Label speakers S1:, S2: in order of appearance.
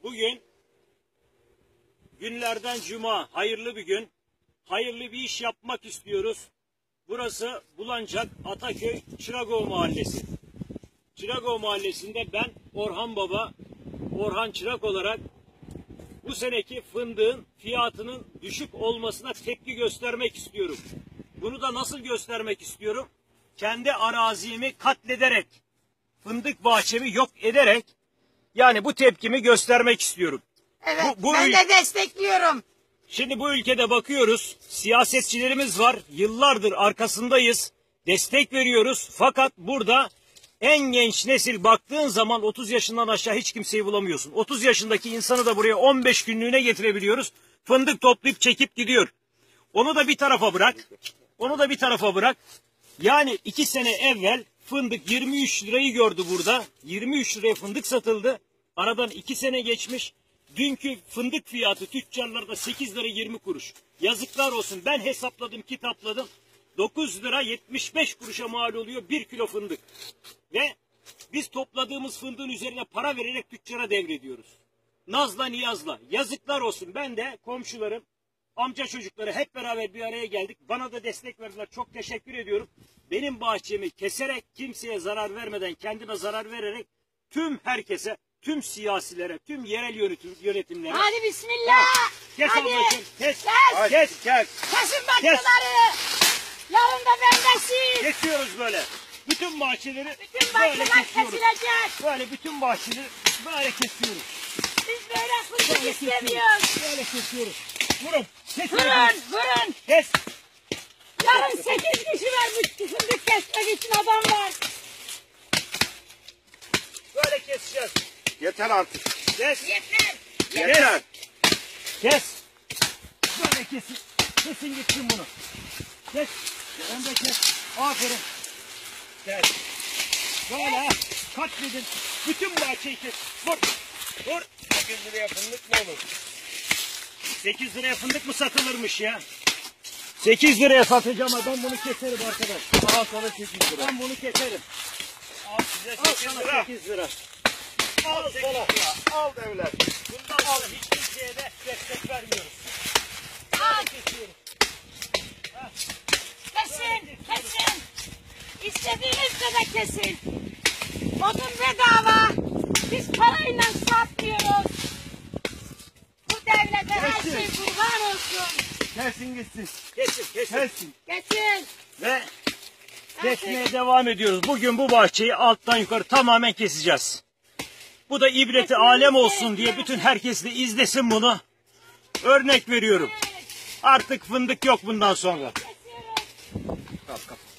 S1: Bugün günlerden cuma, hayırlı bir gün. Hayırlı bir iş yapmak istiyoruz. Burası Bulancak Ataköy Çıragova Mahallesi. Çıragova Mahallesi'nde ben Orhan Baba, Orhan Çırak olarak bu seneki fındığın fiyatının düşük olmasına tepki göstermek istiyorum. Bunu da nasıl göstermek istiyorum? Kendi arazimi katlederek, fındık bahçemi yok ederek, yani bu tepkimi göstermek istiyorum.
S2: Evet, ben de destekliyorum.
S1: Şimdi bu ülkede bakıyoruz, siyasetçilerimiz var, yıllardır arkasındayız, destek veriyoruz. Fakat burada en genç nesil baktığın zaman 30 yaşından aşağı hiç kimseyi bulamıyorsun. 30 yaşındaki insanı da buraya 15 günlüğüne getirebiliyoruz. Fındık toplayıp çekip gidiyor. Onu da bir tarafa bırak. Onu da bir tarafa bırak. Yani 2 sene evvel fındık 23 lirayı gördü burada. 23 liraya fındık satıldı. Aradan 2 sene geçmiş. Dünkü fındık fiyatı tüccarlarda 8 lira 20 kuruş. Yazıklar olsun. Ben hesapladım, kitapladım. 9 lira 75 kuruşa mal oluyor 1 kilo fındık. Ve biz topladığımız fındığın üzerine para vererek tüccara devrediyoruz. Nazla niyazla. Yazıklar olsun. Ben de komşularım, amca çocukları hep beraber bir araya geldik. Bana da destek verdiler. Çok teşekkür ediyorum. Benim bahçemi keserek, kimseye zarar vermeden, kendime zarar vererek tüm herkese, tüm siyasilere, tüm yerel yönetimlere.
S2: Hadi bismillah.
S1: Kes
S2: hadi.
S1: Ablacığım, kes. Kes.
S2: Kesin bahçeleri. Yarın da bendesin.
S1: Kesiyoruz böyle. Bütün bahçeleri
S2: Bütün
S1: böyle
S2: bahçeler
S1: kesiyoruz.
S2: kesilecek.
S1: Böyle bütün bahçeleri böyle kesiyoruz.
S2: Biz böyle fındık istemiyoruz.
S1: Böyle kesiyoruz. Vurun.
S2: Vurun.
S1: Kes.
S2: Yarın 8 kişi var bu fındık kesmek için adam var.
S1: Böyle keseceğiz.
S3: Yeter artık.
S1: Kes.
S3: Yeter.
S1: Kes. Böyle kesin. Kesin gitsin bunu. Kes. Sen de kes. Aferin. Kes. Böyle katledin. Bütün bahçeyi kes. Vur.
S3: 8 liraya fındık ne olur?
S1: 8 liraya fındık mı satılırmış ya? 8 liraya satacağım adam, bunu keserim arkadaş.
S3: Al sana 8 lira.
S1: Ben bunu keserim.
S3: Al size
S1: Al
S3: 8
S1: sana
S3: lira.
S1: 8 lira.
S3: Al 8 lira. Al devlet.
S1: Bundan sonra hiç kimseye de destek vermiyoruz.
S2: Al.
S1: Kesiyoruz.
S2: Kesin. İstediğiniz kadar kesin. Odun bedava. Biz parayla satmıyoruz. Bu devlete her
S1: Kesin.
S2: şey kurban olsun.
S3: Gelsin gitsin.
S1: Kesin.
S3: Gelsin.
S2: Kesin.
S1: Ve kesmeye devam ediyoruz. Bugün bu bahçeyi alttan yukarı tamamen keseceğiz. Bu da ibreti alem olsun diye bütün herkes de izlesin bunu. Örnek veriyorum. Artık fındık yok bundan sonra.
S2: Kesiyoruz.
S3: Kap.